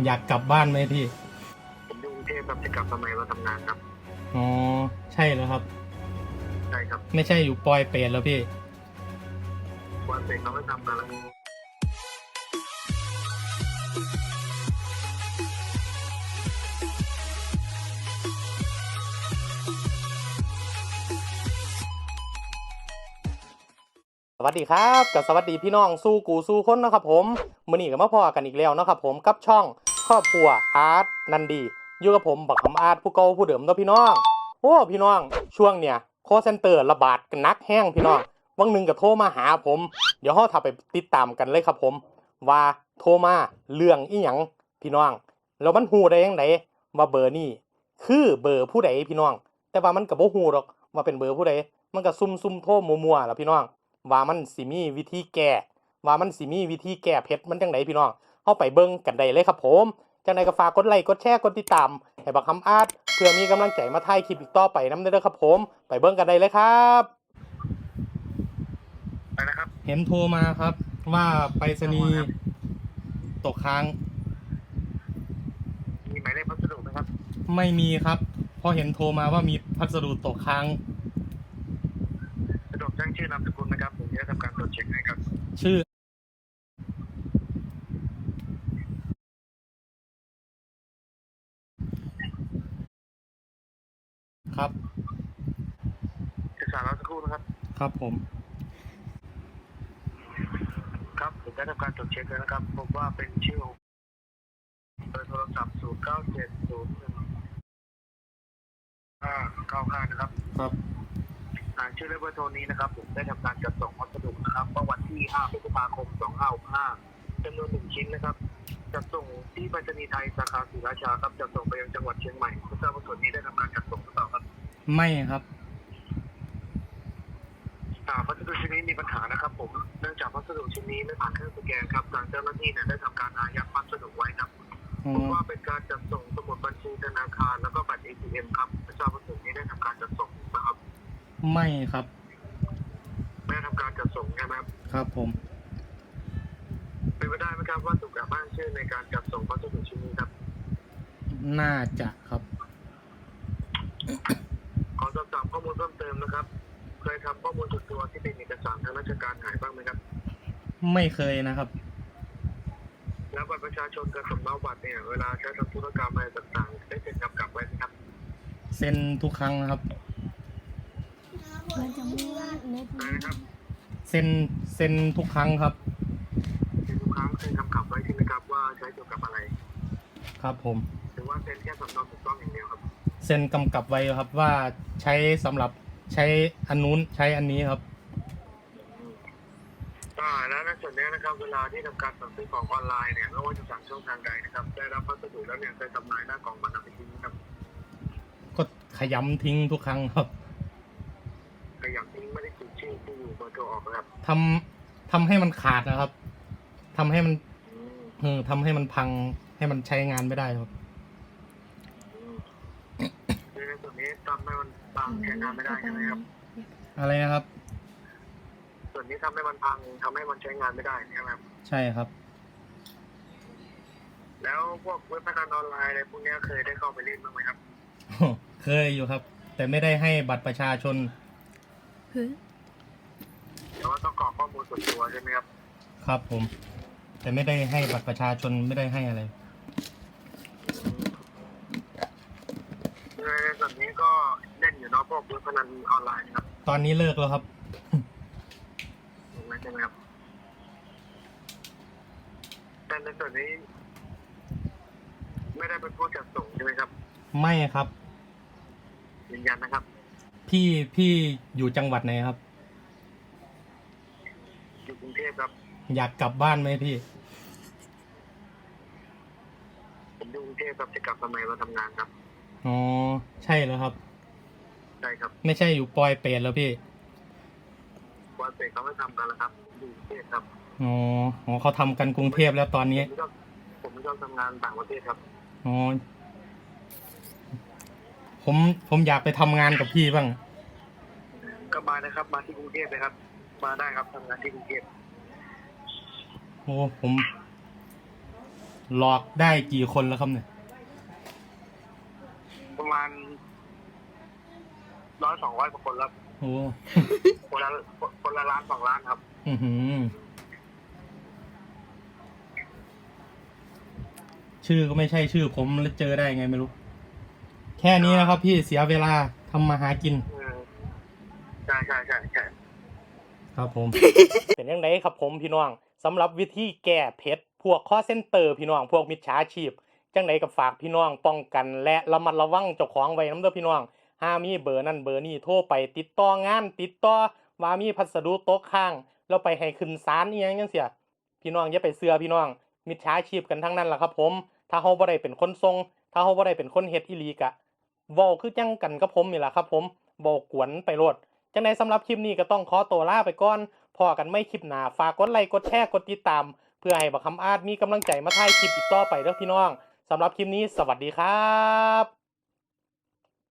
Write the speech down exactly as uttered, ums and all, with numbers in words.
อยากกลับบ้านไหมพี่ผมอยู่กรุงเทพครับจะกลับมาใหม่มาทำงานครับอ๋อใช่แล้วครับใช่ครับไม่ใช่อยู่ปอยเปรตแล้วพี่วันเสร็จเราไม่ทำกันแล้วสวัสดีครับกับสวัสดีพี่น้องสู้กูสู้คนนะครับผมมื้อนี้ก็มาพอกันอีกแล้วนะครับผมกับช่องครอบครัวอาร์ตนันดีอยู่กับผมบักคำอาร์ตผู้เก่าผู้เดิมเนาะพี่น้องโอ้พี่น้องช่วงเนี้ยคอลเซ็นเตอร์ระบาดกันนักแห้งพี่น้องวันหนึ่งก็โทรมาหาผมเดี๋ยวเฮาถ้าไปติดตามกันเลยครับผมว่าโทรมาเรื่องอีหยังพี่น้องแล้วมันฮู้ได้จังไดว่าเบอร์นี้คือเบอร์ผู้ใดพี่น้องแต่ว่ามันก็บ่ฮู้หรอกว่าเป็นเบอร์ผู้ใดมันก็ซุ่มๆโทรมั่วๆล่ะพี่น้องว่ามันสิมีวิธีแก้ว่ามันสิมีวิธีแก้เผ็ดมันจังไดพี่น้องเฮาไปเบิ่งกันได้เลยครับผมจังไดก็ฝากกดไลค์กดแชร์กดติดตามให้บักคำอาร์ตเพื่อมีกำลังใจมาถ่ายคลิปอีกต่อไปนำเด้อครับผมไปเบิ่งกันได้เลยครับไปนะครับเห็นโทรมาครับว่าไปรษณีย์ตกค้างมีหมายเลขพัสดุไหมครับไม่มีครับเพราะเห็นโทรมาว่ามีพัสดุตกค้างสะดวกแจ้งชื่อนามสกุลนะครับผมจะทำการตรวจเช็คให้ครับชื่อครับศึกษาเราสักครู่นะครับครับผมครับผมได้ทำการตรวจเช็คแล้วนะครับพบว่าเป็นชื่อเบอร์โทรศัพท์ศูนย์เก้าเจ็ดศูนย์หนึ่งห้าเก้าห้านะครับครับอ่านชื่อและเบอร์โทรนี้นะครับผมได้ทำการจัดส่งพัสดุนะครับเมื่อวันที่ห้าพฤษภาคมสองพันห้าร้อยหกสิบห้าจำนวนหนึ่งชิ้นนะครับจัดส่งที่ไปรษณีย์ไทยสาขาศรีราชาครับจัดส่งไปยังจังหวัดเชียงใหม่ไม่ทราบว่าส่วนนี้ได้ทำการจัดส่งหรือเปล่าครับไม่ครับอ่าพัสดุชิ้นนี้มีปัญหานะครับผมเนื่องจากพัสดุชิ้นนี้ไม่ผ่านเครื่องสแกนครับทางเจ้าหน้าที่เนี่ยได้ทำการอายัดพัสดุไว้ครับพบว่าเป็นการจัดส่งสมุดบัญชีธนาคารแล้วก็บัตร เอ ที เอ็ม ครับไม่ทราบว่าส่วนนี้ได้ทำการจัดส่งนะครับไม่ครับไม่ได้ทำการจัดส่งใช่ไหมครับครับผมเป็นไปได้ไหมครับว่าถูกกล่าวอ้างชื่อในการจัดส่งพัสดุชิ้นนี้ครับน่าจะครับขอสอบถามข้อมูลเพิ่มเติมนะครับเคยทำข้อมูลส่วนตัวที่เป็นเอกสารทางราชการหายบ้างไหมครับไม่เคยนะครับแล้วบัตรประชาชนกับสำเนาบัตรเนี่ยเวลาใช้ทำธุรกรรมอะไรต่างๆได้เซ็นกำกับไว้ไหมครับเซ็นทุกครั้งนะครับมันจะไม่ว่าเน็ตได้นะครับเซ็นเซ็นทุกครั้งครับเซ็นทุกครั้งเซ็นกำกับไว้ใช่ไหมครับว่าใช้เกี่ยวกับอะไรครับผมหรือว่าเซ็นแค่สำเนาถูกต้องอย่างเดียวครับเซ็นกำกับไว้ครับว่าใช้สำหรับใช้อันนู้นใช้อันนี้ครับอ่าแล้วในส่วนนี้นะครับเวลาที่ทำการสั่งซื้อของออนไลน์เนี่ยไม่ว่าจะสั่งช่องทางใดนะครับได้รับพัสดุแล้วเนี่ยเคยทำลายหน้ากล่องมันนำไปทิ้งครับก็ขยำทิ้งทุกครั้งครับขยำทิ้งไม่ได้ติดชื่อที่อยู่เบอร์โทรออกนะครับทำทำให้มันขาดนะครับทำให้มันเออทำให้มันพังให้มันใช้งานไม่ได้ครับในส่วนนี้ทำให้มันพังใช้งานไม่ได้ใช่ไหมครับอะไรนะครับส่วนนี้ทำให้มันพังทำให้มันใช้งานไม่ได้ใช่ไหมครับใช่ครับแล้วพวกเว็บพนันออนไลน์อะไรพวกนี้เคยได้เข้าไปเล่นบ้างไหมครับเคยอยู่ครับแต่ไม่ได้ให้บัตรประชาชนแต่ว่าต้องกรอกข้อมูลส่วนตัวใช่ไหมครับครับผมแต่ไม่ได้ให้บัตรประชาชนไม่ได้ให้อะไรในส่วนนี้ก็เล่นอยู่เนาะพวกเว็บพนันออนไลน์ครับตอนนี้เลิกแล้วครับใช่ไหมครับแต่ในส่วนนี้ไม่ได้เป็นผู้จัดส่งใช่ไหมครับไม่ครับยืนยันนะครับพี่พี่อยู่จังหวัดไหนครับอยู่กรุงเทพครับอยากกลับบ้านไหมพี่ผมอยู่กรุงเทพครับจะกลับมาใหม่มาทำงานครับอ๋อใช่แล้วครับใช่ครับไม่ใช่อยู่ปอยเปรตแล้วพี่ปอยเปรตเขาไม่ทำกันแล้วครับอยู่กรุงเทพครับอ๋ออ๋อเขาทำกันกรุงเทพแล้วตอนนี้ผมไม่ชอบทำงานต่างประเทศครับอ๋อผมผมอยากไปทำงานกับพี่บ้างก็มานะครับมาที่กรุงเทพเลยครับมาได้ครับทำงานที่กรุงเทพโอ้ผมหลอกได้กี่คนแล้วครับเนี่ยประมาณร้อยสองร้อยกว่าคนแล้วโอ้คนละคนละล้านสองล้านครับอือหือชื่อก็ไม่ใช่ชื่อผมแล้วเจอได้ไงไม่รู้ แค่นี้นะครับพี่เสียเวลาทำมาหากินอืมใช่ใช่ใช่ใช่ครับผม เป็นยังไงครับผมพี่น้องสำหรับวิธีแก้เพชรพวกคอเซ็นเตอร์พี่น้องพวกมิจฉาชีพจังไดกับฝากพี่น้องป้องกันและระมัดระวังเจ้าของไว้นำเด้อพี่น้องห้ามีเบอร์นั่นเบอร์นี้โทรไปติดต่องานติดต่อว่ามีพัสดุตกค้างแล้วไปให้ขึ้นศาลอีหยังจังซี่พี่น้องอย่าไปเชื่อพี่น้องมิจฉาชีพกันทั้งนั้นล่ะครับผมถ้าเฮาบ่ได้เป็นคนส่งถ้าเฮาบ่ได้เป็นคนเฮ็ดอีหลีกะเว้าคือจังกันกับผมนี่ล่ะครับผมบ่กวนไปโลดจังไดสำหรับคลิปนี้ก็ต้องขอตัวลาไปก่อน พอกันไม่คลิปหน้าฝากกดไลค์กดแชร์กดติดตามเพื่อให้บักคำอาจมีกำลังใจมาถ่ายคลิปอีกต่อไปเด้อพี่น้องสำหรับคลิปนี้สวัสดีครับ